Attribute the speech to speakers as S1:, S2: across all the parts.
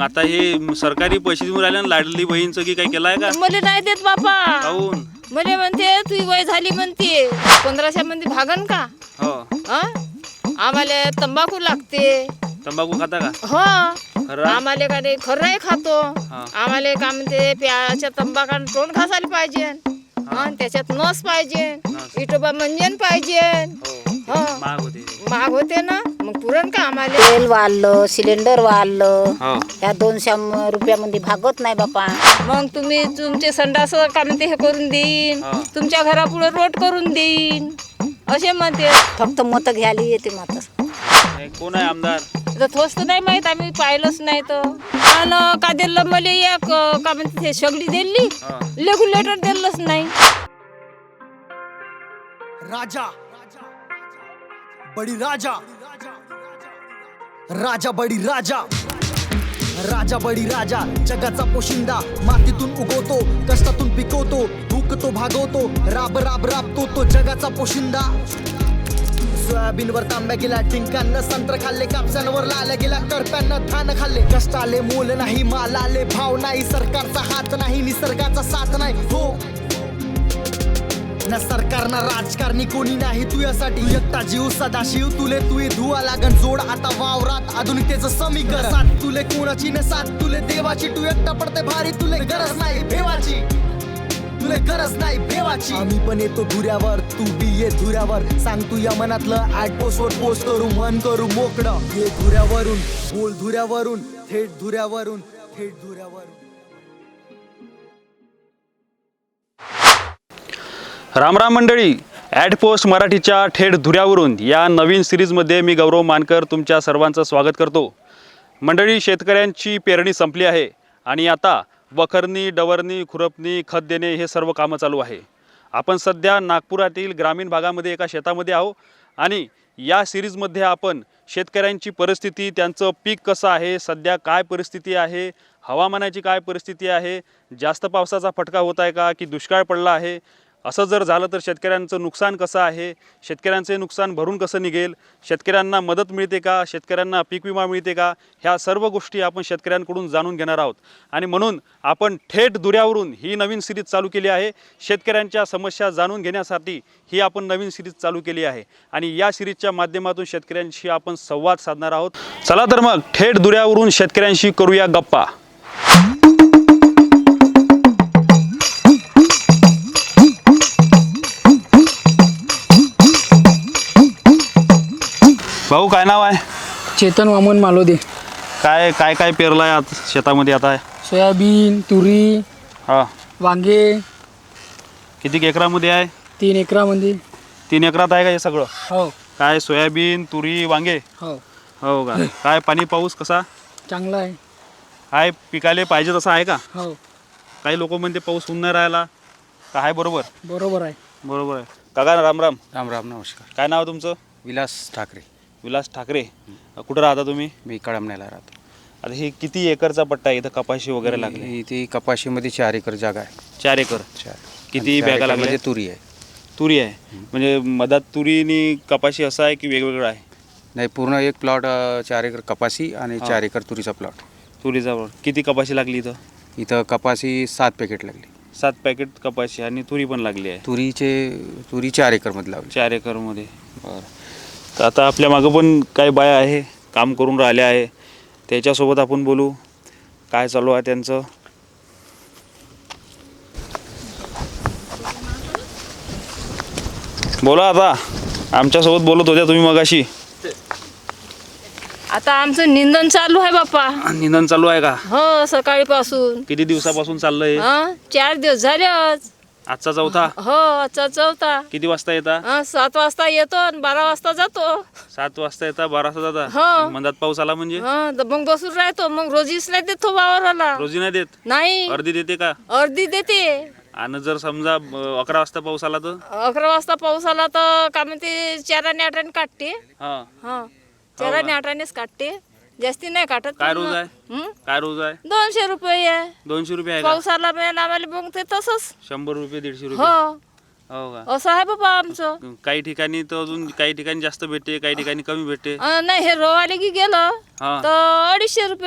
S1: मग आता हे सरकारी पैसे देऊन राहिले ना लाडली बहीणचं की काही केलाय का?
S2: मला नाही देत बापा.
S1: काहून?
S2: मला म्हणते तुझी वय झाली म्हणते 1500 मध्ये भागन का?
S1: हो.
S2: आम्हाला तंबाखू लागते.
S1: तंबाखू खाता का?
S2: हो.
S1: खरं?
S2: आम्हाला का नाही खरंही खातो.
S1: हा.
S2: आम्हाला का म्हणते प्याच्या तंबाखान तोंड घासायला पाहिजे. त्याच्यात नस पाहिजे,
S1: नस.
S2: इटोबा मंजन पाहिजे.
S1: हो. महाग होते.
S2: महाग होते ना, मग पुरण का आम्हाला? तेल वाढलं, सिलेंडर वाढलं.
S1: हो.
S2: या 200 रुपयामध्ये भागत नाही बापा. मग तुम्ही तुमचे संडास का म्हणते हे करून देईन,
S1: हा.
S2: तुमच्या घरापुढे रोड करून देईन असे म्हणते. फक्त मत घ्यायला येते मात्र.
S1: कोण आहे आमदार?
S2: तर थोस्त नाही माहित, आम्ही पाहिलंच नाही तर. आणि का दिलं मला एक का म्हणते ते सगळी दिली,
S1: हा.
S2: रेग्युलेटर दिलंच नाही.
S3: राजा बडी राजा, राजा बडी राजा, राजा बडी राजा, जगाचा पोशिंदा. मातीतून उगवतो, कष्टातून पिकवतो, भूकतो भागवतो, राब राब राबतो तो जगाचा पोशिंदा. सोयाबीनवर तांब्या गेला टिंकांना, संत्र खाल्ले कापसांवर लाल्या गेला करप्यानं धान खाल्ले. कष्टाले मोल नाही, मालाले भाव नाही, सरकारचा हात नाही, निसर्गाचा साथ नाही. हो ना सरकार ना राजकारणी कोणी नाही तुझ्यासाठी. एकटा जीव सदाशिव तुले तुये धुवा लागन जोड आता वावरात आधुनिकतेचं समीकरण. साथ तुले कोणाची न साथ तुले देवाची, तू एकटा पडते भारी तुले गरज नाही भेवाची, तुले गरज नाही भेवाची. आम्ही पण येतो धुऱ्यावर, तू बी ये धुऱ्यावर. सांग तू या मनातलं ऍट पोस्ट वर पोस्ट करू, मन करू मोकळं. ये धुऱ्यावरून बोल, धुऱ्यावरून थेट धुऱ्यावरून, थेट धुऱ्यावरून.
S1: राम राम मंडळी, ॲड पोस्ट मराठीच्या थेट धुऱ्यावरून या नवीन सिरीजमध्ये मी गौरव मानकर तुमच्या सर्वांचं स्वागत करतो. मंडळी, शेतकऱ्यांची पेरणी संपली आहे आणि आता वखरणी, डवरणी, खुरपणी, खत देणे हे सर्व कामं चालू आहे. आपण सध्या नागपुरातील ग्रामीण भागामध्ये एका शेतामध्ये आहो आणि या सिरीजमध्ये आपण शेतकऱ्यांची परिस्थिती, त्यांचं पीक कसं आहे, सध्या काय परिस्थिती आहे, हवामानाची काय परिस्थिती आहे, जास्त पावसाचा फटका होत आहे का की दुष्काळ पडला आहे, असं जर झालं तर शेतकऱ्यांचं नुकसान कसं आहे, शेतकऱ्यांचे नुकसान भरून कसं निघेल, शेतकऱ्यांना मदत मिळते का, शेतकऱ्यांना पीक विमा मिळते का, ह्या सर्व गोष्टी आपण शेतकऱ्यांकडून जाणून घेणार आहोत. आणि म्हणून आपण थेट धुऱ्यावरून ही नवीन सिरीज चालू केली आहे. शेतकऱ्यांच्या समस्या जाणून घेण्यासाठी ही आपण नवीन सिरीज चालू केली आहे आणि या सिरीजच्या माध्यमातून शेतकऱ्यांशी आपण संवाद साधणार आहोत. चला तर मग थेट धुऱ्यावरून शेतकऱ्यांशी करूया गप्पा. भाऊ, काय नाव आहे?
S4: चेतन वामन मालोदे.
S1: काय काय काय पेरलं आहे आज शेतामध्ये? आता
S4: सोयाबीन, तुरी,
S1: हां.
S4: वांगे.
S1: किती एकरामध्ये आहे?
S4: 3 एकरामध्ये.
S1: 3 एकरात आहे का हे सगळं?
S4: हो
S1: काय सोयाबीन, तुरी, वांगे?
S4: हो.
S1: हो का? काय पाणी पाऊस कसा
S4: चांगला आहे.
S1: काय पिकाले पाहिजे तसं आहे का?
S4: हो
S1: काही लोक म्हणते पाऊस होऊन नाही राहिला का? आहे बरोबर?
S4: बरोबर आहे.
S1: बरोबर आहे. काका राम राम.
S5: राम राम, नमस्कार.
S1: काय नाव तुमचं?
S5: विलास ठाकरे.
S1: विलास ठाकरे. कुठं राहता तुम्ही?
S5: मी कळमण्याला राहतो.
S1: आता हे किती एकरचा पट्टा आहे? इथं कपाशी वगैरे लागली?
S5: इथे कपाशीमध्ये 4 एकर जागा आहे.
S1: 4 एकर.
S5: 4.
S1: किती बॅगा लागल्या?
S5: म्हणजे तुरी आहे.
S1: तुरी आहे. म्हणजे मधात तुरी आणि कपाशी असं आहे की वेगवेगळं आहे?
S5: नाही, पूर्ण एक प्लॉट 4 एकर कपाशी आणि 4 एकर तुरीचा प्लॉट.
S1: तुरीचा प्लॉट. किती कपाशी लागली इथं?
S5: इथं कपाशी 7 पॅकेट लागली.
S1: 7 पॅकेट कपाशी आणि तुरी पण लागली आहे.
S5: तुरी 4 एकरमध्ये लावली.
S1: 4 एकरमध्ये. बरं. तर आता आपल्या मागं पण काही बाया आहे, काम करून राहिल्या आहे, त्याच्यासोबत आपण बोलू. काय चालू आहे त्यांचं? बोला. आता आमच्यासोबत बोलत होत्या तुम्ही मगाशी.
S2: आता आमचं निंदन चालू आहे बाप्पा.
S1: निंदन चालू आहे का?
S2: हो, सकाळीपासून.
S1: किती दिवसापासून चाललंय?
S2: 4 दिवस झाले आज.
S1: आजचा चौथा?
S2: हो, आजचा चौथा.
S1: किती वाजता येता?
S2: 7 वाजता येतो आणि 12 वाजता जातो.
S1: 7 वाजता येता, 12 वाजता
S2: हो.
S1: जाता. मंदात पाऊस आला म्हणजे
S2: तर मग बसून राहतो. मग रोजीच नाही देत तो वावराला.
S1: रोजी नाही देत?
S2: नाही,
S1: अर्धी देते का?
S2: अर्धी देते.
S1: आणि जर समजा 11 वाजता पाऊस आला तर?
S2: 11 वाजता पाऊस आला तर का म्हणते 4 आणि 8 काढते.
S1: हा.
S2: हा, 4 आणि 8 काढते, जास्ती नाही काढत.
S1: काय रोज आहे?
S2: हं?
S1: काय रोज आहे?
S2: 200 रुपये आहे.
S1: 200 रुपये आहे का?
S2: पाऊस आला पण आम्हाला मग ते तसंच.
S1: 100 रुपये, 150 रुपये?
S2: हो,
S1: हो का?
S2: असं आहे बाबा आमचं.
S1: काही ठिकाणी तर अजून काही ठिकाणी जास्त भेटते, काही ठिकाणी कमी भेटते.
S2: नाही, हे रोवाले की गेलं
S1: हा.
S2: तर 250 रुपये.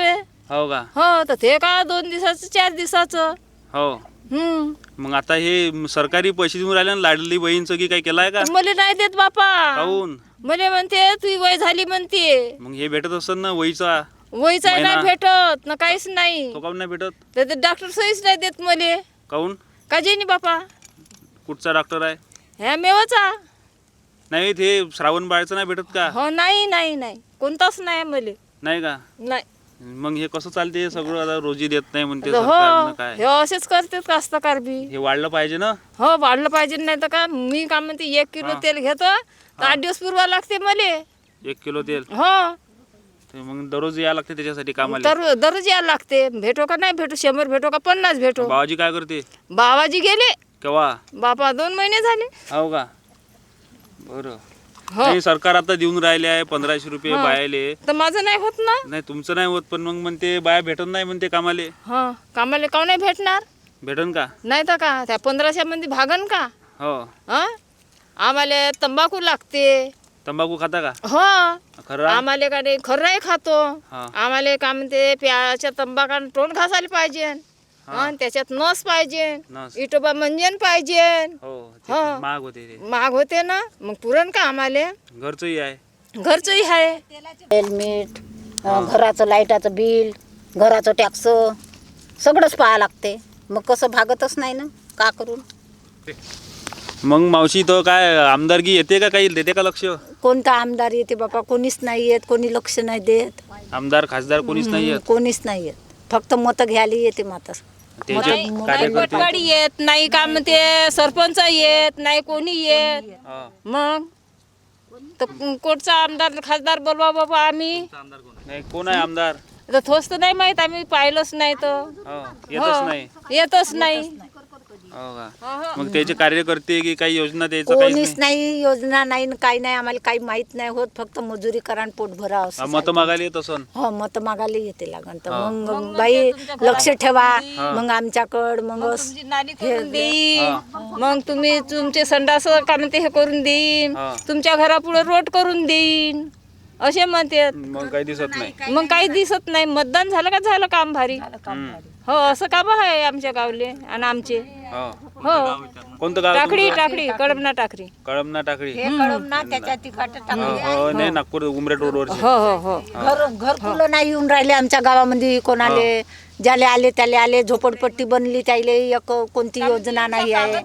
S1: हो का?
S2: हो तर ते का 2 दिवसाचं 4 दिवसाचं.
S1: हो. मग आता हे सरकारी पैसे देऊन राहिले ना लाडली बहीणचं की काय केलाय का?
S2: मला नाही देत बापा.
S1: काहून?
S2: मला म्हणते तुझी वय झाली म्हणते.
S1: मग हे भेटत असेल ना वहीचा?
S2: वयचा नाही
S1: महिना?
S2: भेटत ना काहीच नाही.
S1: तो काहून नाही भेटत?
S2: तर ते डॉक्टर सहीच नाही देत मले.
S1: काहून?
S2: का जेनी बापा?
S1: कुठचा डॉक्टर आहे?
S2: ह्या मेवाचा.
S1: नाही ते श्रावण बाळचं नाही भेटत का?
S2: हो नाही नाही नाही कोणताच नाही मले.
S1: नाही का?
S2: नाही.
S1: मग हे कसं चालते हे सगळं? आता रोजी देत नाही म्हणते
S2: हो
S1: सरकारनं काय?
S2: हे असेच करतात कास्तकार बी.
S1: हे वाढलं पाहिजे ना?
S2: हो वाढलं पाहिजे नाही तर का मी का म्हणते 1 किलो तेल घेतो तर 8 दिवस पुरवा लागते मले.
S1: 1 किलो तेल?
S2: हो
S1: ते मग दररोज यायला लागते त्याच्यासाठी कामाला?
S2: तर दररोज यायला लागते. भेटो का नाही भेटो, 100 भेटो का 50 भेटो.
S1: बाबाजी काय करते?
S2: बाबाजी गेले
S1: केव्हा?
S2: बापा 2 महिने झाले.
S1: हो का? बरं.
S2: हो
S1: नाही सरकार आता देऊन राहिले आहे 1500 रुपये बायाले.
S2: तर माझं नाही होत ना.
S1: नाही तुमचं नाही होत पण मग म्हणते बाया भेटत नाही म्हणते कामाले.
S2: हा कामाला का नाही भेटणार?
S1: भेटन का?
S2: नाही तर का त्या 1500 मध्ये भागन का?
S1: हो.
S2: हा आम्हाला तंबाखू लागते.
S1: तंबाखू खाता का?
S2: हो
S1: खरं?
S2: आम्हाला का नाही खर्राही खातो.
S1: हा.
S2: आम्हाला का म्हणते प्याच्या तंबाखानं तोंड घासायला पाहिजे. हा त्याच्यात नस पाहिजे.
S1: नस.
S2: इटोबा मंजन पाहिजे.
S1: हो ते
S2: हो.
S1: महाग होते ते.
S2: महाग होते ना मग पुरण का आम्हाला?
S1: घरचंही आहे.
S2: घरचंही आहे.
S6: हेल्मेट, घराचं लाईटाचं बिल, घराचं टॅक्स सगळंच पाहा लागते. मग कसं भागतच नाही ना का करून.
S1: मग मावशी तर काय आमदारकी येते का काही देते का लक्ष?
S6: कोणता आमदार येते बाबा? कोणीच नाही येत, कोणी लक्ष नाही देत.
S1: आमदार खासदार कोणीच नाही येत.
S6: कोणीच नाही येत, फक्त मतं घ्यायला येते मात्र.
S1: त्याचे
S2: नाही
S1: कार्यकर्ते.
S2: पटवाडी येत नाही का म्हणते सरपंच येत नाही कोणी येत.
S1: हा.
S2: मग तर कोणचा आमदार खासदार बोलवा बाबा आम्ही.
S1: नाही कोण आहे आमदार?
S2: तर थोस तर नाही माहित आम्ही पाहिलंच नाही तर.
S1: हो येतच नाही.
S2: येतच नाही.
S1: हो का? मग त्याचे कार्यकर्ते की काही योजना द्यायचं काहीच
S6: कोणीच
S1: नाही?
S6: नाही, योजना नाही न काही नाही. आम्हाला काही माहित नाही होत, फक्त मजुरी करा आणि पोट भरा
S1: हा,
S6: असं.
S1: मतं मागायला येत असन.
S6: हो मत मागायला येते लागन तर मग बाई लक्ष ठेवा मग आमच्याकड मग
S2: तुमची नाली करून देईन. मग तुम्ही तुमचे संडास का म्हणते हे करून देईन.
S1: हा.
S2: तुमच्या घरापुढे रोड करून देईन असे म्हणतात.
S1: मग काही दिसत नाही.
S2: मग काही दिसत नाही. मतदान झालं का झालं काम भारी.
S1: हम्म.
S2: हो असं काम आहे आमच्या गावले आणि आमचे.
S1: हो.
S2: हो
S1: कोणतं गाव
S2: टाकडी
S1: तुमचं?
S2: टाकडी कडमना टाकडी.
S1: कळमना टाकळी.
S6: त्याच्या तिखट
S1: हो नाही नागपूर उमरेड रोडवरचे.
S2: हो हो हो
S6: घरकुलं नाही येऊन राहिले आमच्या गावामध्ये कोणाले. ज्याले आले त्याले आले. झोपडपट्टी बनली त्याले एक कोणती योजना नाही आहे.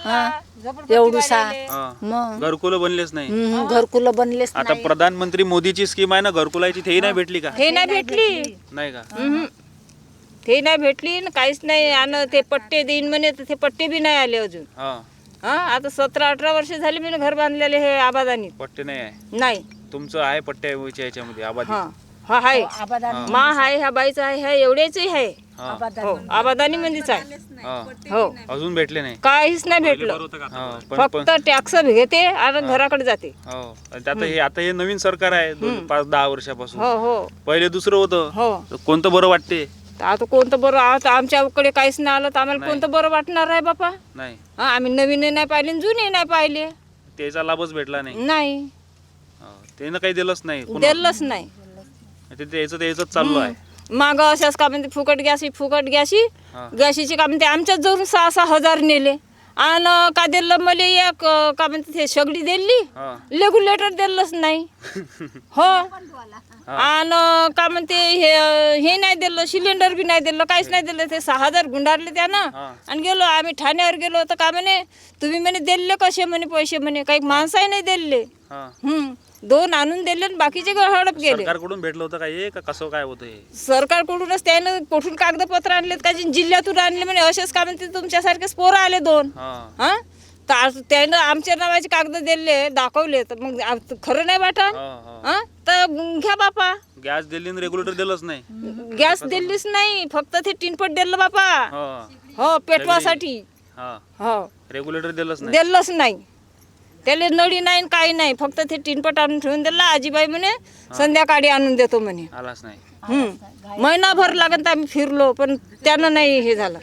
S6: एवढूसा
S1: हा.
S6: मग
S1: घरकुलं बनलेच नाही.
S6: घरकुलं बनलेच
S1: आता प्रधानमंत्री मोदीची स्कीम आहे ना घरकुलाची तेही नाही भेटली का?
S2: हे नाही भेटली.
S1: नाही का?
S2: ते नाही भेटली न काहीच नाही. आणि ते पट्टे देईन म्हणे तर ते पट्टे बी नाही आले अजून.
S1: हा.
S2: हा आता 17-18 वर्ष झाले मी घर बांधलेले हे आबादानी.
S1: पट्टे नाही आहे.
S2: नाही
S1: तुमचं आहे पट्ट्याच्या याच्यामध्ये आबादी.
S2: हा हा आहे मा आहे ह्या बाईचा आहे ह्या एवढ्याचही आहे.
S1: हा.
S2: हो आबादानी मध्येच आहे.
S1: हा.
S2: हो
S1: अजून भेटले नाही.
S2: काहीच नाही भेटलं.
S1: हा. पण
S2: फक्त टॅक्स घेते आणि घराकडे जाते.
S1: हो आणि आता हे नवीन सरकार आहे 5-10 वर्षापासून.
S2: हो हो
S1: पहिले दुसरं होतं.
S2: हो
S1: तर कोणतं बरं वाटते?
S2: तर आता कोणतं बरं आता आमच्याकडे काहीच नाही आलं तर आम्हाला कोणतं बरं वाटणार आहे बापा.
S1: नाही
S2: हा आम्ही नवीन नाही पाहिले जुने नाही पाहिले.
S1: त्याचा लाभच भेटला नाही.
S2: नाही
S1: हो. त्यानं काही दिलंच नाही. पुन्हा
S2: दिलंच नाही.
S1: ते त्याच चालू आहे.
S2: माग अशाच का म्हणते फुकट गॅसी
S1: हा.
S2: गॅशीची का म्हणते आमच्याच जवळून 6-6 हजार नेले. आणि का दिलं मला एक का म्हणते ते सगळी दिली.
S1: हा.
S2: रेग्युलेटर दिलंच नाही. हो आणि का म्हणते हे नाही दिलं सिलेंडर बी नाही दिलं काहीच नाही दिलं. ते 6 हजार गुंडारले त्यानं.
S1: हा.
S2: आणि गेलो आम्ही ठाण्यावर गेलो तर का म्हणे तुम्ही म्हणे दिले कसे म्हणे पैसे म्हणे काही माणसाही नाही दिले.
S1: हा.
S2: 2 आणून दिले आणि बाकीचे हडप गेले.
S1: सरकारकडून भेटलं होतं का हे का कसं काय होतं हे?
S2: सरकारकडूनच त्यानं कुठून कागदपत्र आणलेत का जिल्ह्यातून आणले म्हणे असेच का म्हणते तुमच्यासारखेच पोरं आले 2.
S1: हा.
S2: हा तर त्यानं आमच्या नावाचे कागद दिले दाखवले तर मग खरं नाही वाटत.
S1: हा, हा.
S2: हा तर घ्या बापा.
S1: गॅस दिली आणि रेग्युलेटर दिलंच नाही.
S2: गॅस दिलीच नाही फक्त ते टिनपट दिलं बापा.
S1: हा.
S2: हो पेटवासाठी.
S1: हा.
S2: हो
S1: रेग्युलेटर दिलंच नाही.
S2: दिलंच नाही. त्याला नळी नाही काही नाही फक्त ते टिनपट आणून ठेवून दिला. आजीबाई म्हणे संध्याकाळी आणून देतो म्हणे.
S1: आलाच नाही.
S2: महिनाभर लागत आम्ही फिरलो पण त्यानं नाही हे झालं.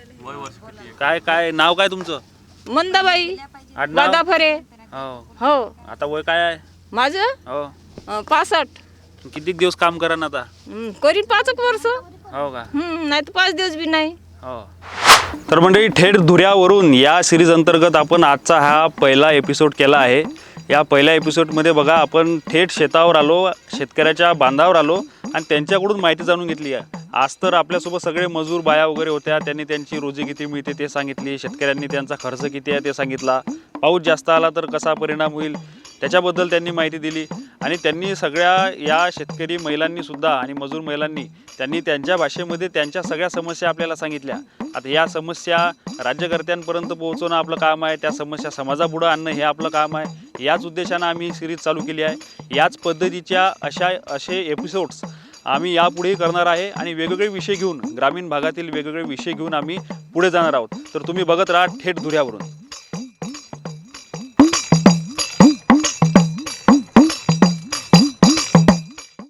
S1: काय नाव काय तुमचं?
S2: मंदाबाई
S1: आडनाव?
S2: वादाफरे.
S1: हो.
S2: हो
S1: आता वय काय आहे?
S2: माझं
S1: हो.
S2: 65.
S1: किती दिवस काम करा ना आता?
S2: करीन 5 वर्ष.
S1: हो का?
S2: नाही तर 5 दिवस बी नाही.
S1: हो. तर मंडळी, थेट धुऱ्यावरून या सिरीज अंतर्गत आपण आजचा हा पहिला एपिसोड केला आहे. या पहिल्या एपिसोडमध्ये बघा, आपण थेट शेतावर आलो, शेतकऱ्याच्या बांधावर आलो आणि त्यांच्याकडून माहिती जाणून घेतली आहे. आज तर आपल्यासोबत सगळे मजूर बाया वगैरे होत्या, त्यांनी त्यांची रोजी किती मिळते ते सांगितली, शेतकऱ्यांनी त्यांचा खर्च किती आहे ते सांगितला, पाऊस जास्त आला तर कसा परिणाम होईल त्याच्याबद्दल त्यांनी माहिती दिली. आणि त्यांनी सगळ्या या शेतकरी महिलांनी सुद्धा आणि मजूर महिलांनी त्यांनी त्यांच्या भाषेमध्ये त्यांच्या सगळ्या समस्या आपल्याला सांगितल्या. आता या समस्या राज्यकर्त्यांपर्यंत पोहोचवणं आपलं काम आहे, त्या समस्या समाजापुढं आणणं हे आपलं काम आहे. याच उद्देशानं आम्ही सिरीज चालू केली आहे. याच पद्धतीच्या असे एपिसोड्स आम्ही यापुढेही करणार आहे आणि वेगवेगळे विषय घेऊन, ग्रामीण भागातील वेगवेगळे विषय घेऊन आम्ही पुढे जाणार आहोत. तर तुम्ही बघत राहा थेट धुऱ्यावरून.